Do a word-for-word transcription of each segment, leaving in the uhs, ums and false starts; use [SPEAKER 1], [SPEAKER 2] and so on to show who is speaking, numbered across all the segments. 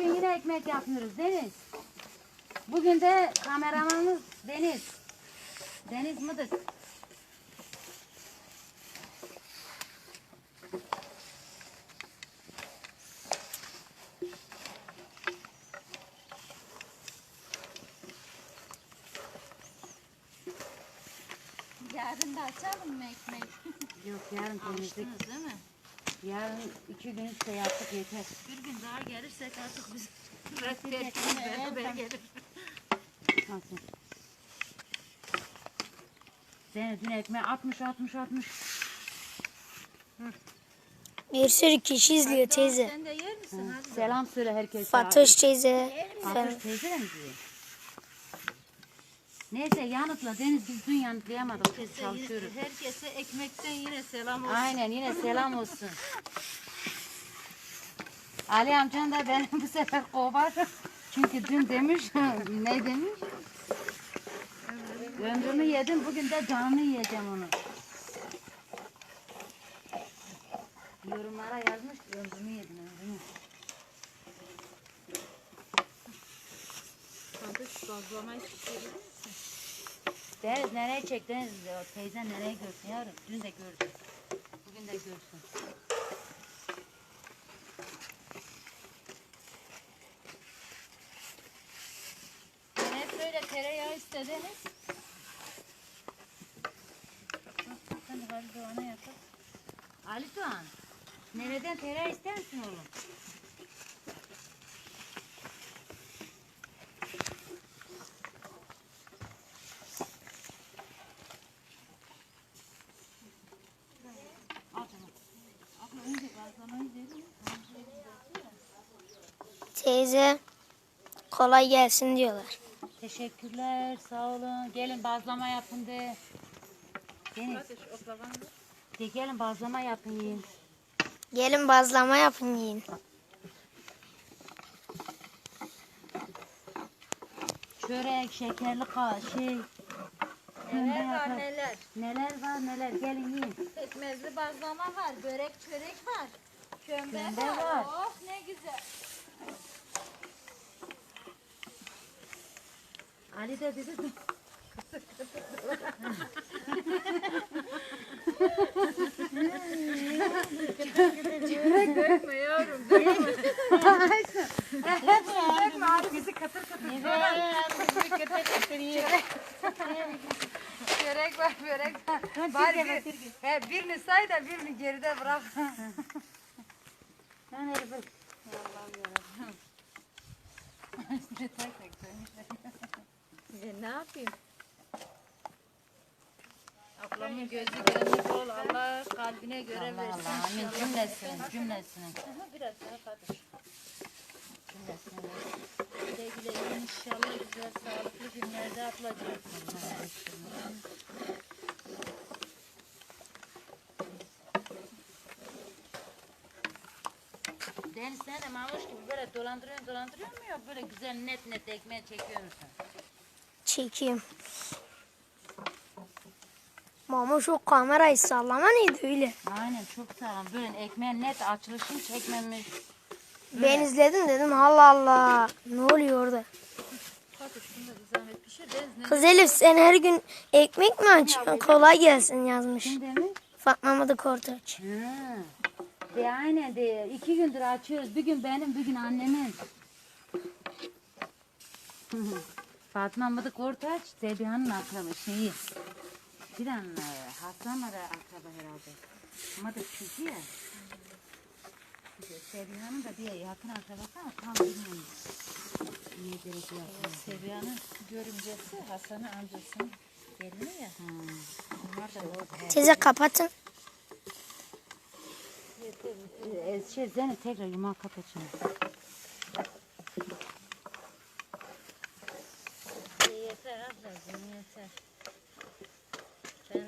[SPEAKER 1] gün yine ekmek yapıyoruz Deniz. Bugün de kameramanımız Deniz. Deniz Mıdık.
[SPEAKER 2] Yarın da açalım mı ekmek?
[SPEAKER 1] Yok yarın temizlik.
[SPEAKER 2] Alıştınız değil mi?
[SPEAKER 1] Yarın iki gün üstte yaptık yeter.
[SPEAKER 2] Bir gün daha gelirsek artık biz reddettiğimiz beraber gelir.
[SPEAKER 1] Nasıl? Zeynep dün ekmeği atmış atmış atmış.
[SPEAKER 3] Bir sürü kişi izliyor teyze.
[SPEAKER 2] Sen de yer misin? Hadi.
[SPEAKER 1] Selam söyle herkese.
[SPEAKER 3] Fatoş teyze.
[SPEAKER 1] Fatoş teyze de mi diyor? Neyse yanıtla Deniz, biz dün yanıtlayamadık. Çok
[SPEAKER 2] Herkese,
[SPEAKER 1] çalışıyoruz.
[SPEAKER 2] herkese ekmekten yine selam olsun.
[SPEAKER 1] Aynen yine selam olsun. Ali amcan da beni bu sefer kovar. Çünkü dün demiş, ne demiş? Ömrümü yedim, bugün de canını yiyeceğim onu. Yorumlara yazmış, ömrümü yedim, ömrümü.
[SPEAKER 2] Hadi şu bazlamayı pişirelim misin?
[SPEAKER 1] Deniz nereye çektiniz? Teyzen nereye görsün yavrum? Dün de gördü. Bugün de görsün.
[SPEAKER 2] Ben hep böyle tereyağı istediniz.
[SPEAKER 1] Sen de Ali Doğan'a yapalım. Ali Doğan, nereden tereyağı ister misin oğlum? Al canım. Abla önce bazlamayı verin.
[SPEAKER 3] Teyze kolay gelsin diyorlar.
[SPEAKER 1] Teşekkürler, sağ olun. Gelin bazlama yapın de. Deniz,
[SPEAKER 2] Hadi şu oklavanı.
[SPEAKER 1] de gelin bazlama yapın yiyin.
[SPEAKER 3] Gelin bazlama yapın yiyin.
[SPEAKER 1] Çörek, şekerli ka şey.
[SPEAKER 2] Neler var
[SPEAKER 1] yapar.
[SPEAKER 2] neler.
[SPEAKER 1] Neler var neler, gelin yiyin.
[SPEAKER 2] Pekmezli bazlama var, börek çörek var. Kömbe,
[SPEAKER 1] Kömbe
[SPEAKER 2] var.
[SPEAKER 1] var.
[SPEAKER 2] Oh ne güzel.
[SPEAKER 1] Ali de dedi ki,
[SPEAKER 2] Dökme yavrum, dökme.
[SPEAKER 1] dökme abi bizi katır katır.
[SPEAKER 2] Çörek var, börek var. Bari bir, he, birini say da birini geride bırak.
[SPEAKER 1] Ben herifi.
[SPEAKER 2] E, ne yapayım? Ablamın gözü gönlü bol. Allah kalbine göre
[SPEAKER 1] Allah
[SPEAKER 2] versin.
[SPEAKER 1] Allah, amin cümlesinin, cümlesinin.
[SPEAKER 2] Aha, biraz daha Fatoş.
[SPEAKER 1] Cümlesinin.
[SPEAKER 2] Güle güle yiyin inşallah güzel sağlıklı günlerde ablacığım.
[SPEAKER 1] Deniz sen de mamuş gibi böyle dolandırıyorsun dolandırıyor mu yok böyle güzel net net ekmeğe çekiyor musun?
[SPEAKER 3] Çekeyim. Mama şu kamerayı sallama neydi öyle?
[SPEAKER 1] Aynen çok sağlam böyle ekmeğe net açılışını çekmemiş.
[SPEAKER 3] Ben izledim dedim Allah Allah. Ne oluyor orada?
[SPEAKER 2] Fatoş bunu da bir zahmet pişir. Deniz ne?
[SPEAKER 3] Kız Elif sen her gün ekmek mi açıyorsun? Kolay gelsin yazmış.
[SPEAKER 1] Kim demiş?
[SPEAKER 3] Fatma Mıdık Ortaç.
[SPEAKER 1] Ha. De aynen de iki gündür açıyoruz. Bir gün benim bir gün annemin. Fatma Mıdık Ortaç Sebiha'nın akrabı şeyi. Bir an Hasan'la da akraba herhalde. Mıdık çünkü ya. Sebiha'nın da bir yakın akrabası ama tam bilmiyorum. Niye derece yapıyor?
[SPEAKER 2] Sebiha'nın görümcesi Hasan'ın amcasının gelini ya.
[SPEAKER 1] Hmm.
[SPEAKER 2] Onlar da orada.
[SPEAKER 3] Teyze kapatın.
[SPEAKER 1] Ee, şey Zeynep tekrar yumağı kapat şimdi.
[SPEAKER 2] Yeter ablacığım yeter. Canım.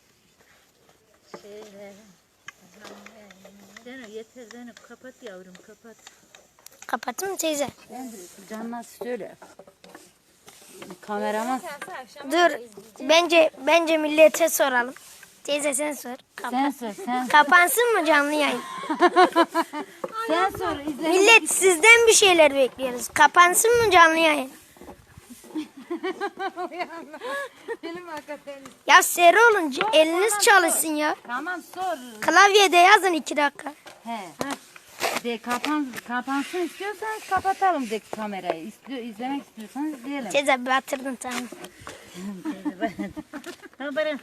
[SPEAKER 2] Şeyler. Zeynep yeter Zeynep kapat yavrum kapat.
[SPEAKER 3] Kapatın mı teyze?
[SPEAKER 1] Ben de canına söyle. Kameraman
[SPEAKER 3] Dur. Bence bence millete soralım. Teyze sen sor. Kapa-
[SPEAKER 1] sen sor sen
[SPEAKER 3] Kapansın mı canlı yayın?
[SPEAKER 1] sen sor sor. izlemek
[SPEAKER 3] Millet sizden bir şeyler bekliyoruz. Kapansın mı canlı yayın?
[SPEAKER 2] Benim hakikaten.
[SPEAKER 3] Ya seri olun. c- Eliniz çalışsın ya.
[SPEAKER 1] Tamam sor.
[SPEAKER 3] Klavyede yazın iki dakika.
[SPEAKER 1] He. De kapan kapansın istiyorsanız kapatalım de kamerayı. İstiyor izlemek istiyorsanız izleyelim.
[SPEAKER 3] Teyze batırdın tamam.
[SPEAKER 1] Haberin.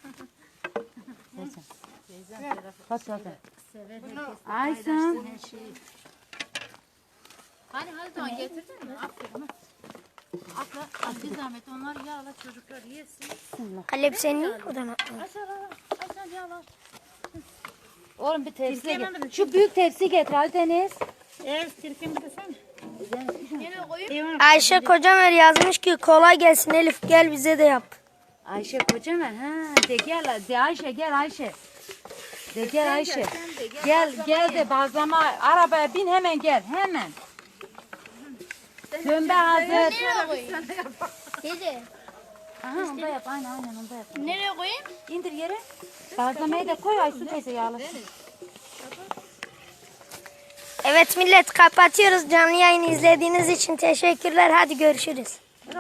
[SPEAKER 1] Kaç zaten. Aysun.
[SPEAKER 4] Hani hadi tamam getirdin mi? Aferin. Atla, at bir zahmet onlar yağla çocuklar yesin.
[SPEAKER 3] Halep senin oradan atma.
[SPEAKER 4] Aç al, aç al yağla.
[SPEAKER 1] Oğlum bir tepsi getir. Şu büyük tepsi getir Ali Deniz.
[SPEAKER 4] Evet, sirkemi de sen. Yine koyayım.
[SPEAKER 3] Ayşe Kocamer yazmış ki kolay gelsin Elif gel bize de yap.
[SPEAKER 1] Ayşe kocaman ha. De gel de Ayşe gel Ayşe. De gel Ayşe. Gel gel de bazlama arabaya bin hemen gel hemen. Kömbe hazır.
[SPEAKER 4] Nereye koyayım? Teyze.
[SPEAKER 1] Aha onda yap aynen aynen onda yap.
[SPEAKER 4] Nereye koyayım?
[SPEAKER 1] İndir yere. Bazlamayı da koy Aysu teyze yağlasın.
[SPEAKER 3] Evet millet kapatıyoruz. Canlı yayını izlediğiniz için teşekkürler. Hadi görüşürüz.